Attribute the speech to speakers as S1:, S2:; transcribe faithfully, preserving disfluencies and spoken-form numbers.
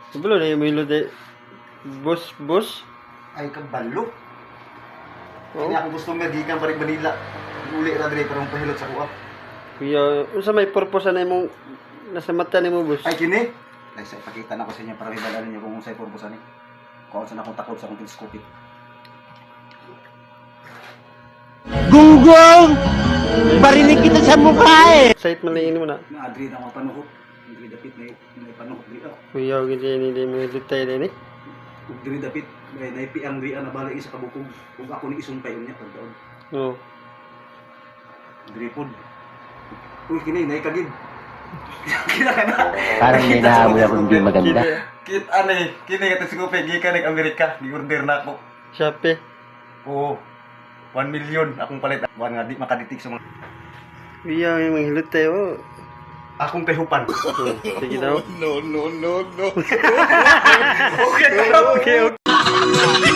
S1: Sebelum na yung milo de bus bus.
S2: Ay kabalo.
S1: Oh.
S2: Kanya ako gusto nga gikan paring Manila. Uli ra dire karong pahilot sa kuha.
S1: Kuya, unsa may purpose na imong nasa mata nimo bus?
S2: Ay kini. Ay sa ipakita na ko sa inyo para hibala ninyo kung unsay purpose ani. Kung saan akong takot sa akong teleskopik.
S3: Gunggong! Barinig kita sa mukha eh!
S1: Site man lang mo na.
S2: Na adri na mapanuhot. Adri dapit na may panuhot diri.
S1: Kuya, gid ni ni mo detay ni.
S2: Ug diri dapit may naipi ang diri na balik sa kabukog. Ug ako ni isumpay unya pagdaon.
S1: Oh.
S2: Diri pod. Uy kini nay kagid. Kina kana.
S3: Parang may nahamoy ako hindi maganda.
S2: Kit ani, kini nga teleskopik gikan nag Amerika, gi-order na ako.
S1: Shopee.
S2: Oo. one million akong palit. Wan nga di makaditik sa mga
S1: Kuya, may manghilot tayo.
S2: akong tehupan.
S1: Oh, sige daw.
S3: No, no, no, no.
S2: Okay, okay, okay.